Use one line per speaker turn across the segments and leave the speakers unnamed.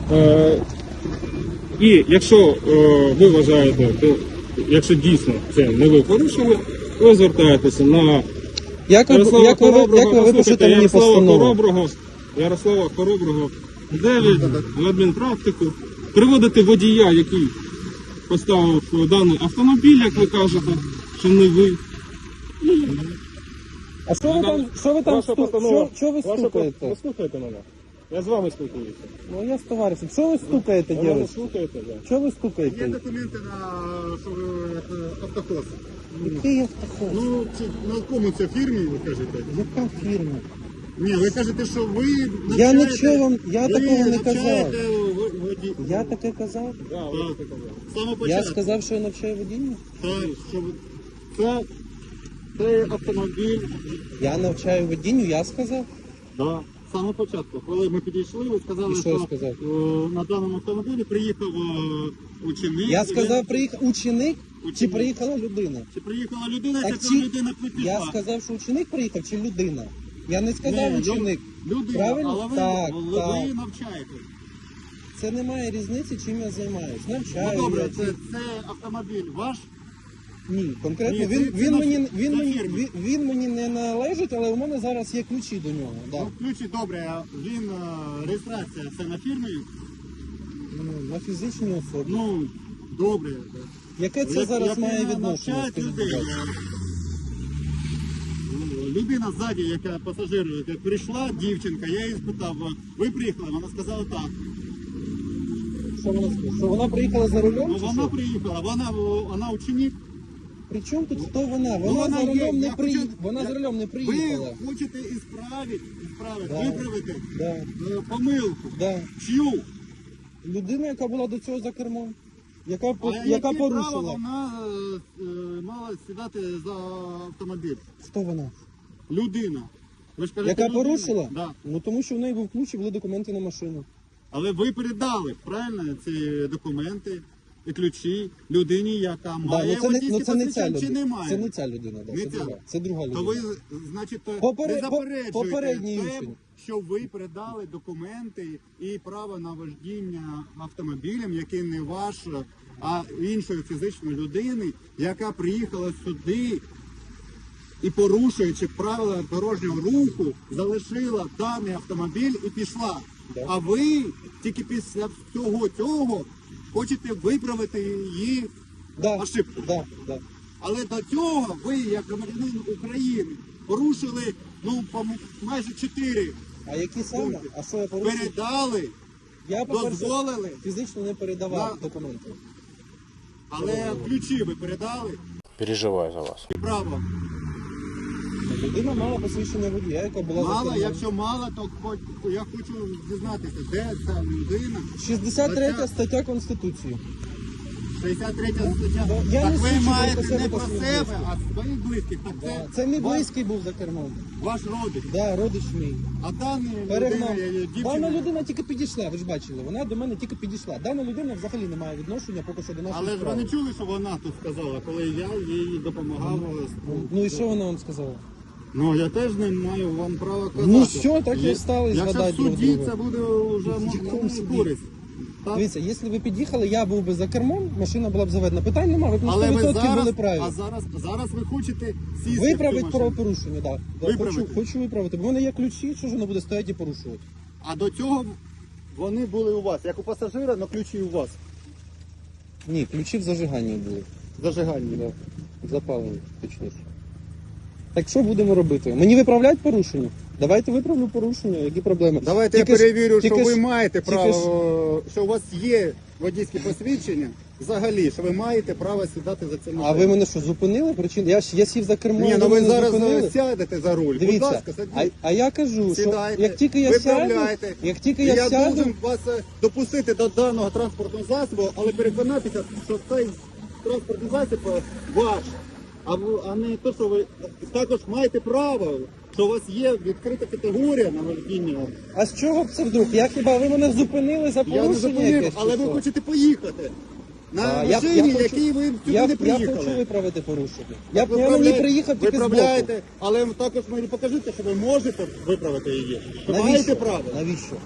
І якщо ви вважаєте, то якщо дійсно це не ви порушили, ви звертаєтеся на
Як ви випишете мені постанову?
Ярослава Хороброго 9 в адмінпрактику, приводите водія, який поставив даний автомобіль, як ви кажете, що не ви.
А що ви там що ви стукаєте?
Ви слухаєте мене? Я з вами спілкуюся.
Ну я з товаришем. Що ви стукаєте,
Ви мене
дівчата?
слухаєте? Да.
Що ви
Є
стукаєте?
документи на що ви автохоз.
Який автохоз?
Ну, на якому це фірмі, ви кажете?
Яка фірма?
Ні, ви кажете, що ви
Я
навчаєте...
нічого вам, я
ви
такого не казав.
навчаєте водій.
Я таке казав?
Да, ви
Так.
таке казали.
З самого
Я
початку.
сказав, що я навчаю водіння?
Так, що це автомобіль.
Я навчаю водінню, я сказав?
Да. З самого початку. Коли ми підійшли, ви сказали,
І що я сказав?
на даному автомобілі приїхав ученик.
Я сказав, приїхав ученик чи
Ученик.
приїхала людина?
Чи приїхала людина,
Так
яка
чи-
людина пішла?
Я сказав, що ученик приїхав чи людина? Я не сказав
Ні,
ученик.
Людина,
Правильно?
але ви,
Так,
ви
так.
навчаєте.
Це не має різниці, чим я займаюсь.
Ну
Навчаю.
добре,
я
це автомобіль ваш?
Ні, конкретно
Ні, це
він
на фірмі.
мені не належить, але у мене зараз є ключі до нього. Да.
Ну, ключі добре, а він, реєстрація, це на фірмі?
Ну, на фізичній особі.
Ну, добре.
Яке це зараз
Як
має
ви
відношення?
навчаєте
скажіть,
людей?
будь ласка?
Людина ззаді, яка пасажир, яка прийшла, дівчинка, я її спитав, ви приїхали? Вона сказала так.
Що вона сказала? Що вона приїхала за рулем?
Ну
чи
вона
що?
приїхала, вона ученик.
При чому тут хто вона?
Ну,
Вона за
є,
рулем не
я
приїхала.
хочу-
Вона за рулем не
Ви
приїхала.
хочете ісправити,
Да.
виправити
Да,
помилку.
да.
Чию?
Людина, яка була до цього за кермом, яка
А
яка
яке право
порушила.
вона мала сідати за автомобіль?
Хто вона?
Людина. Ви ж кажете,
Яка
людина.
порушила?
Да.
Ну тому що в неї був ключ і були документи на машину.
Але ви передали, правильно, ці документи і ключі людині, яка
Да,
має водійське
це не ця
посвідчення, чи
людина.
немає?
Це не ця людина, да,
Не
це
ця.
друга. Це друга
То
людина.
ви, значить,
Попередній
не заперечуєте
попередній
те,
учень.
що ви передали документи і право на вождіння автомобілем, який не ваш, а іншої фізичної людини, яка приїхала сюди і, порушуючи правила дорожнього руху, залишила даний автомобіль і пішла.
Да.
А ви тільки після всього цього хочете виправити її
Да,
ошибку.
да, да.
Але до цього ви, як громадянин України, порушили майже 4
А які саме? А що я порушив?
передали,
Я, по-перше,
дозволили,
фізично не передавав
Да.
документи.
але ключі ви передали
Переживаю за вас.
і право.
Людина мала посвідчення водія, яка була за
Мало,
кермом.
якщо мало, то я хочу дізнатися, де ця людина.
63 стаття Конституції.
63 стаття.
Я
Так
не
ви
свідчу
маєте
про себе
не
та
про
своїх
себе,
близьких.
а своїх близьких. Так
Да. Це мій
ваш-
близький був за кермом.
ваш родич.
Да, родич мій.
А дані
Перегнав.
людина,
Дана
дівчина.
людина тільки підійшла, ви ж бачили, вона до мене тільки підійшла. Дана людина взагалі не має відношення поки що до нашої
Але ж ви
справи.
не чули, що вона тут сказала, коли я їй допомагав.
Ну і що вона вам сказала?
Ну я теж не маю вам права казати.
Ну все, так і стали
Якщо
згадати
в
друг
суді
друга.
це буде вже
якому
на
суді?
користь. Так?
Дивіться, якщо ви під'їхали, я був би за кермом, машина була б заведена. Питань немає, ви б на
Але ви
100%
зараз,
були праві.
зараз ви хочете сісти в
Виправити
цю машину.
правопорушення, так. Да.
Виправити.
Хочу виправити, бо в мене є ключі, що ж воно буде стояти і порушувати.
А до цього вони були у вас, як у пасажира, але ключі у вас.
Ні, ключі в зажиганні були.
Зажигання.
Да. Запалені, точніше. Так що будемо робити? Мені виправляти порушення? Давайте виправлю порушення, які проблеми?
Давайте
Тільки
я
ж-
перевірю,
тільки
що ви
ж-
маєте
тільки
право, що у вас є водійське посвідчення, взагалі, що ви маєте право сідати за це машину.
А ви мене що, зупинили? Я сів за кермо,
Ні,
ви
ну ви
мене
зараз
зупинили?
сядете за руль. Будь
Дивіться,
ласка, садіть.
а я кажу,
Сідайте,
що як тільки я сяду,
виправляйте.
як тільки
І
я
я
сяду,
должен вас допустити до даного транспортного засобу, але переконатися, що цей транспортний засіб ваш, а не те, що ви також маєте право, що у вас є відкрита категорія на водіння.
а з чого б це вдруг? Я хіба ви мене зупинили за
Я не
порушення
зупинив,
якесь? чи
але ви
що?
хочете поїхати на
А, я
машині,
хочу-
якій ви сюди
Я
не приїхали.
хочу виправити порушення.
Так
Я на ній приїхав тільки збоку.
виправляєте, але також мені покажіть, що ви можете виправити її. Що
Навіщо?
маєте право.
Навіщо?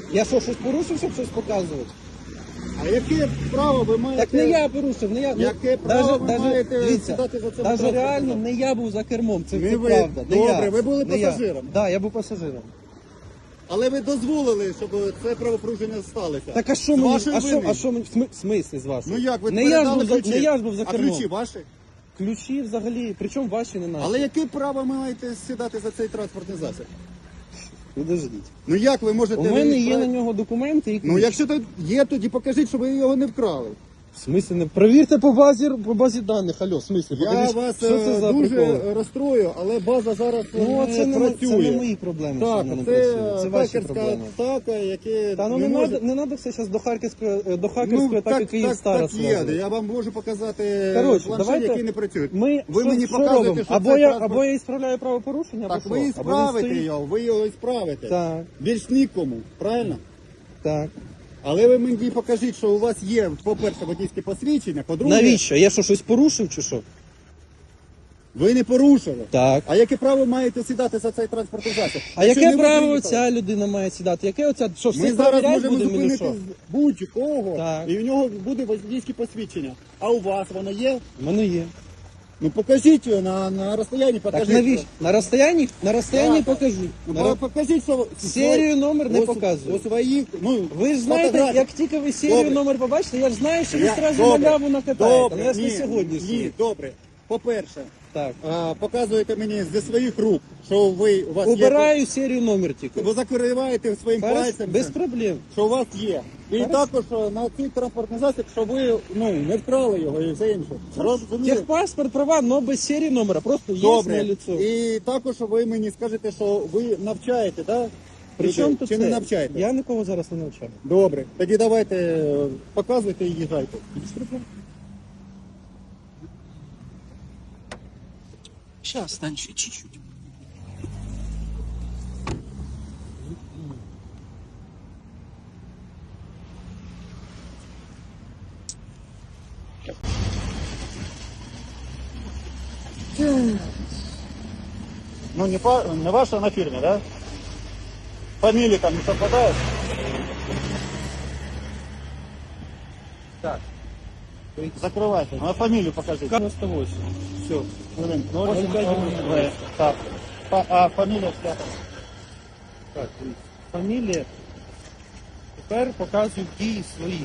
Я що, щось порушив, щоб щось показувати?
А яке право ви маєте?
Так не я порушив, не я.
Яке право ви маєте сідати за цим
Навіть
транспортним
реально
засобом?
не я був за кермом, це
Не ви.
правда. Не
Добре,
я.
ви були
Не я.
пасажиром.
Да, я був пасажиром.
Але ви дозволили, щоб це правопорушення сталося.
Так а що
З
мені,
вашої вини.
а що мені, в смислі з вашого?
Ну як, ви
не я ж
передали
був за,
ключі?
не я ж був за
А
кермом.
ключі ваші?
Ключі взагалі, причому ваші не наші.
Але яке право ви маєте сідати за цей транспортний засіб?
Підождіть.
Ну як ви можете...
У мене є
відправ-
на нього документи і ключ.
Ну якщо тут є, тоді покажіть, що ви його не вкрали.
В смислі не провірте по базі даних. Алло, в смислі,
Я
покажіть,
вас
що це за
дуже
приколи?
розстрою, але база зараз
Ну,
не
це не
працює.
мої проблеми, що
Так,
вона не
це
працює. Це ваші
хакерська
проблеми.
атака, яке
Та ну
не
не
може...
надо, не надо все зараз до хакерської атаки Київстара
так є.
связувати.
Я вам можу показати
Коротше,
планшет,
давайте
який не працює.
Ми
Ви
що,
мені
що
показуєте,
робимо?
що
Або
це
я,
транспорт...
або я ісправляю правопорушення,
Так,
або
ви
що?
і
Або він
справите
стоїть.
його, ви його і справите.
Так,
Більш нікому, правильно?
так.
Але ви мені покажіть, що у вас є, по-перше, водійське посвідчення, по-друге,
Навіщо? Я що, щось порушив чи що?
ви не порушили.
Так.
А яке право маєте сідати за цей транспортний засіб?
А
Якщо
яке
не
право
приїхали?
ця людина має сідати? Яке оця, що,
Ми
всіх
зараз
перевіряти
можемо
будемо чи
зупинити
що?
будь-кого,
Так.
і в нього буде водійське посвідчення. А у вас воно є?
У мене є.
Ну покажіть його на розстоянні,
Так
покажіть.
навіщо? На розстоянні? На розстоянні
Так.
покажу.
Ну, покажіть, що
Серію номер не
у
показую.
своїх, ну,
Ви ж знаєте,
фотографії.
як тільки ви серію
Добре.
номер побачите, я ж знаю, що ви
Я-
одразу
добре.
маляву накатаєте.
Добре,
Ну, я ж не
ні,
сьогоднішній.
Ні, добре. По-перше,
Так.
показуєте мені зі своїх рук, що у вас
Убираю серію номер
є.
тільки.
Ви закриваєте своїм
Хорошо,
пальцем,
без проблем.
що у вас є. І
Хорошо.
також на цей транспортний засіб, що ви не вкрали його і все інше. Розумієте?
Техпаспорт, права, но без серії номера. Просто є
Добре.
на лицо.
І також ви мені скажете, що ви навчаєте, так?
Причому тут
Чи
це?
не навчаєте?
Я нікого зараз не навчаю.
Добре. Тоді давайте показуйте і їжджайте.
Без проблем.
Сейчас, стань еще чуть-чуть.
Ну не ваша на фирме, да? Фамилии там не совпадают?
Так.
Закрывайте. Ну, а фамилию покажите.
98. Все.
Хвилин.
Ольга.
Так. А фамилия вся?
Так, дивіться. Фамілія. Тепер показую дії свої.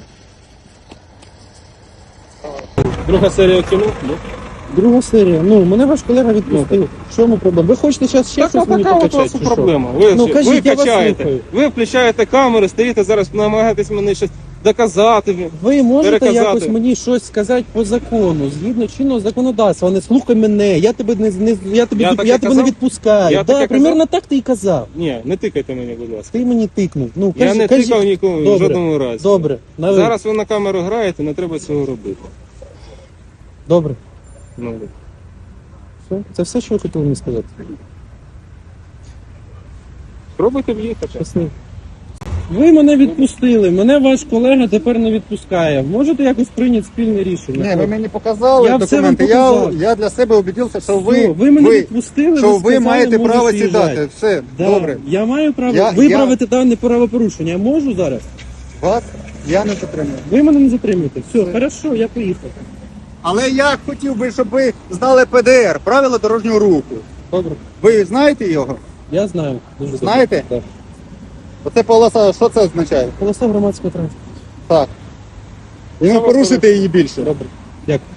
Друга серія кіно? Ну.
Друга серія. Ну, мене ваш колега відпустив. В чому проблема? Ви хочете зараз ще
Так,
щось мені
така от у
покачати?
вас
чи що?
проблема. Ви,
Ну,
ви
кажіть, я вас
качаєте,
слухаю.
ви включаєте камери, стоїте зараз, намагаєтесь мені щось доказати.
Ви можете
переказати.
якось мені щось сказати по закону, згідно чинного законодавства, не слухай мене, я тебе
Я таке
я тебе не
казав?
відпускаю.
Я
Да,
таке
примерно так ти і казав.
Ні, не тикайте мені, будь ласка.
Ти мені тикнув. Ну,
Я не
кажіть.
тикав нікому в
Добре.
жодному разі.
Добре, на ви.
Зараз ви на камеру граєте, не треба цього робити.
Добре.
Ну,
Все? Це все, що ви хотіли мені сказати.
пробуйте в'їхати.
Щасливо. Ви мене відпустили, мене ваш колега тепер не відпускає. Можете якось прийняти спільне рішення?
Ні, ви мені показали
Я все вам
документи.
показав.
Я для себе убедився, що
Все, ви мене відпустили,
що ви
сказали,
маєте
можеш
право
їжджати.
сідати. Все,
Да,
добре.
Я маю право
Я-
виправити дане правопорушення. Я можу зараз?
Вас я не затримую.
Ви мене не затримуєте. Все, хорошо, я поїхав.
Але я хотів би, щоб ви знали ПДР, правила дорожнього руху.
Добре.
Ви знаєте його?
Я знаю. Дуже добре.
Знаєте?
Так.
Оце полоса, що це означає?
Полоса громадського транспорту.
Так. І не порушите її більше.
Добре. Дякую.